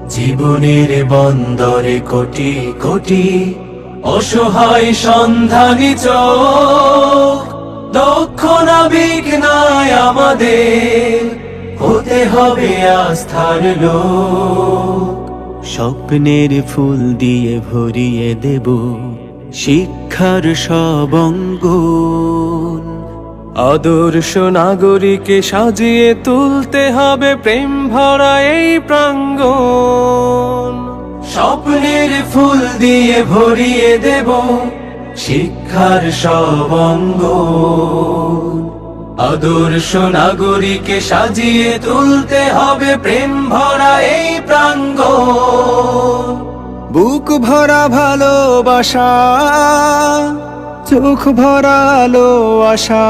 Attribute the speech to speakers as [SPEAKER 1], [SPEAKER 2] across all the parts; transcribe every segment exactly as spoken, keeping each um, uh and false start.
[SPEAKER 1] জীবনের বন্দরে কোটি কোটি অসহায় সন্ধানী চোখ, দক্ষ নাবিক নাই আমাদের, হতে হবে আস্থার লোক। স্বপ্নের ফুল দিয়ে ভরিয়ে দেব শিক্ষার সব অঙ্গন,
[SPEAKER 2] আদর্শ নাগরিকে সাজিয়ে তুলতে হবে প্রেম ভরা এই প্রাঙ্গণ।
[SPEAKER 1] স্বপ্নের ফুল দিয়ে ভরিয়ে দেব শিক্ষার সব অঙ্গন, আদর্শ নাগরিকে সাজিয়ে তুলতে হবে প্রেম ভরা এই প্রাঙ্গণ।
[SPEAKER 2] বুক ভরা ভালোবাসা, চোখ ভরা আলো আশা,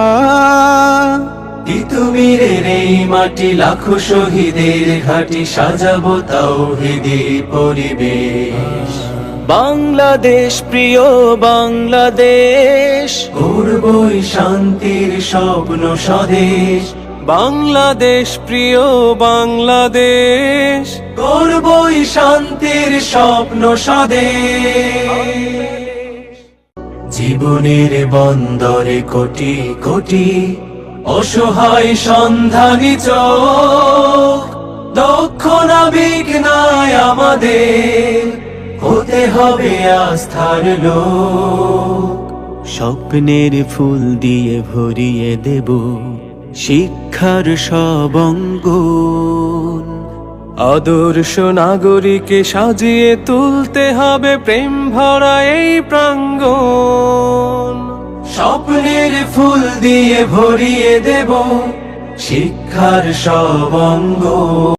[SPEAKER 1] তিতুমিরের এই মাটি লাখো শহীদের ঘাটি, সাজাবো তাওহীদি পরিবেশ।
[SPEAKER 2] বাংলাদেশ প্রিয় বাংলাদেশ,
[SPEAKER 1] গর্বই শান্তির স্বপ্ন স্বদেশ।
[SPEAKER 2] বাংলাদেশ প্রিয় বাংলাদেশ,
[SPEAKER 1] গর্বই শান্তির স্বপ্ন স্বদেশ। জীবনের বন্দরে কোটি কোটি অসহায় সন্ধানী চোখ, দক্ষ নাবিক নাই আমাদের, হতে হবে আস্থার লোক। স্বপ্নের ফুল দিয়ে ভরিয়ে দেব শিক্ষার সব অঙ্গন,
[SPEAKER 2] আদর্শ নাগরিকে সাজিয়ে তুলতে হবে প্রেম ভরা এই প্রাঙ্গণ।
[SPEAKER 1] স্বপ্নের ফুল দিয়ে ভরিয়ে দেব শিক্ষার সব অঙ্গন।